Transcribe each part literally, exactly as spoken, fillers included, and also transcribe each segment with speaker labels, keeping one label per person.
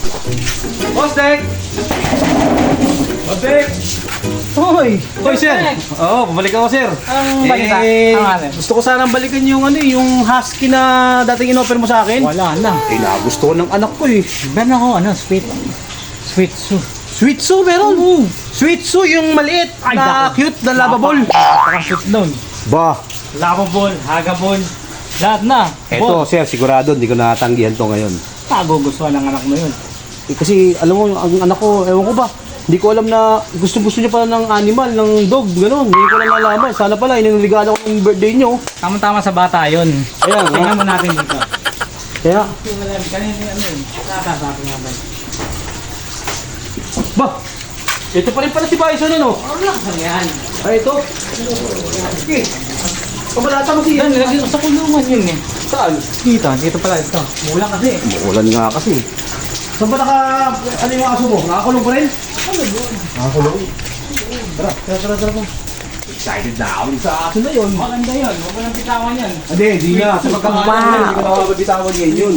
Speaker 1: Boss Dek! Boss Dek!
Speaker 2: Hoy!
Speaker 1: Hoy, sir! Oo, pabalik ako, sir.
Speaker 2: Ang balita?
Speaker 1: Eh,
Speaker 2: Ang alin?
Speaker 1: gusto ko sanang balikan yung ano, eh, yung husky na dating in-offer mo sa akin.
Speaker 2: Wala na.
Speaker 1: Eh, nagusto ko ng anak ko eh.
Speaker 2: Ben ako, ano, sweet. Sweet soup.
Speaker 1: Sweet Tzu meron.
Speaker 2: Oo.
Speaker 1: Sweet Tzu yung maliit
Speaker 2: Ay,
Speaker 1: na
Speaker 2: naku.
Speaker 1: cute na lovable.
Speaker 2: Napaka-sweet nun.
Speaker 1: Ba,
Speaker 2: Lovable, hagable. Lahat na.
Speaker 1: eto sir, sigurado hindi ko natanggihan to ngayon.
Speaker 2: Nagugustuhan ng anak mo yun.
Speaker 1: Eh, kasi alam mo, ang anak ko, ewan ko ba, hindi ko alam na gusto-gusto niya pala ng animal, ng dog, gano'n. Hindi ko lang nalaman. Sana pala, ininigala ko ng birthday niyo.
Speaker 2: Tama-tama sa bata yun.
Speaker 1: Ayan,
Speaker 2: Tingnan
Speaker 1: ha?
Speaker 2: mo natin dito.
Speaker 1: Kaya,
Speaker 2: Kanina ano yun? Nakakasabi nga ba?
Speaker 1: ba, ito pa rin pala si Bison, ano?
Speaker 2: Wala ka yan.
Speaker 1: Ay, ito. Sige. Kabalata mo siya.
Speaker 2: Yan, nilagay ko sa kulungan yun eh.
Speaker 1: Saan?
Speaker 2: Dito, dito pala ito. Mula kasi.
Speaker 1: Umuulan nga kasi. Saan ba naka, ano yung aso mo? Nakakulong pa rin? Nakakulong. Tara, tara, tara, tara. Excited na ako sa aso na yun.
Speaker 2: Maganda yun. Huwag mo nang bitawan yan.
Speaker 1: Hindi, hindi nga. Sa pagkakaano, hindi ko nakakabitawan ngayon yun.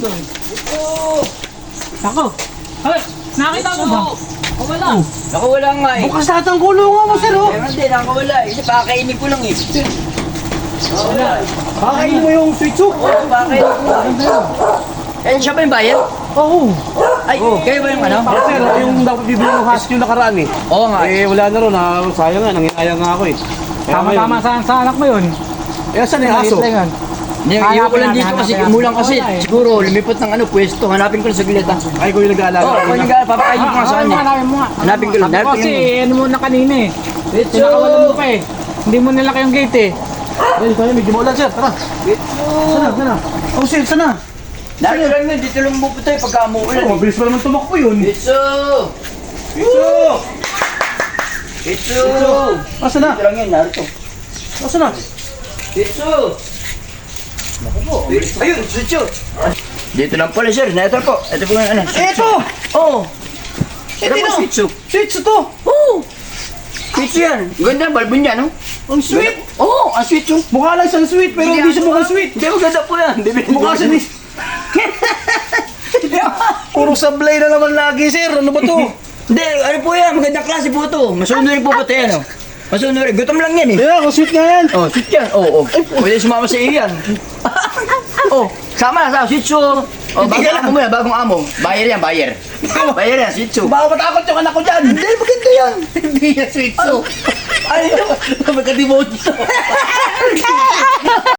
Speaker 2: Ako. Ay, nakita mo ba? O wala.
Speaker 3: Naku, wala nga eh.
Speaker 1: Bukas lahat ang kulungan mo, sir, oh.
Speaker 3: Meron din, nakawala eh. Kasi pakakainin ko lang eh.
Speaker 2: Wala.
Speaker 1: Kakainin mo yung sweet soup.
Speaker 3: Oo, pakakainin ko lang. Eh, siya ba yung bayad?
Speaker 1: Oo.
Speaker 3: Ay, kayo ba yung ano?
Speaker 1: Ako, sir, yung dapat bibili ng husky yung nakaraan eh.
Speaker 3: Oo nga.
Speaker 1: Eh, wala na ron. Ah, sayang nga, nanginayang nga ako eh. Kaya
Speaker 2: Tama-tama
Speaker 1: ngayon-
Speaker 2: sa, sa anak mo yun.
Speaker 1: Eh, saan yung aso?
Speaker 2: Maliit lang yun.
Speaker 3: Hindi,
Speaker 2: Hanapin
Speaker 3: iwan ko lang
Speaker 2: natin,
Speaker 3: dito kasi
Speaker 2: hanapin
Speaker 3: umulang kasi.
Speaker 2: natin.
Speaker 3: Siguro, lumipot ng ano, pwesto. Hanapin ko lang sa gilid ah.
Speaker 1: Ay, ko yung nag-aalaga.
Speaker 3: Oo, kung yung gano'n, papakainin ko nga sa
Speaker 2: Ah,
Speaker 3: kanya.
Speaker 2: hanapin mo nga.
Speaker 3: Hanapin ko lang,
Speaker 2: Sabi ko
Speaker 3: hanapin
Speaker 2: kasi,
Speaker 3: mo.
Speaker 2: ano mo na kanina eh. Sinakawalan mo pa eh. Hindi mo nilaki yung gate eh.
Speaker 1: Ay, tayo, medyo maulan, sir. Tara. Sana, sana. Oh, sir, sana.
Speaker 3: Lalo lang yun, dito lang mo tayo pagka umuulan
Speaker 1: Oh,
Speaker 3: eh.
Speaker 1: mabilis pa naman tumakbo yun.
Speaker 3: Bitso!
Speaker 1: Bitso!
Speaker 3: Bitso!
Speaker 1: Asa na?
Speaker 3: Dito lang yun, narito.
Speaker 1: Asa na?
Speaker 3: Bitso! Ayun, Bitso! Dito lang pala sir, na-ito po. Ito po yung ano.
Speaker 1: Eto!
Speaker 3: Oo!
Speaker 1: Eh,
Speaker 3: Ito
Speaker 1: tino.
Speaker 3: po, Bitso.
Speaker 1: Sweet Tzu to.
Speaker 3: Oo! Bitso yan. Ganda, balbo niya, no?
Speaker 1: Ang sweet.
Speaker 3: Oo, ang sweet yung...
Speaker 1: Mukha lang siyang sweet, pero hindi siya mukhang sweet.
Speaker 3: Hindi, maganda po yan. Bibili
Speaker 1: Mukha siya ni... Puro sablay na naman lagi, sir. Ano ba to?
Speaker 3: Hindi, ano po yan, magandang klase po ito. Masunurin po po ito yan, oh. Masunurin. Gutom lang yan, eh.
Speaker 1: Yeah, ang sweet nga yan.
Speaker 3: Oh, sweet yan. Oo, oh, oh. Pwede sumama sa iyo yan. Oh, sama na, sama. Sweet show. Oh, bagong amo mo yan, bagong amo. Bayer yan, bayer. Bayer yan, sweet show.
Speaker 1: Baka matakot yung anak ko dyan.
Speaker 3: Hindi, maganda yan.
Speaker 1: Hindi yan sweet Tzu.
Speaker 3: Ay, magka-demote.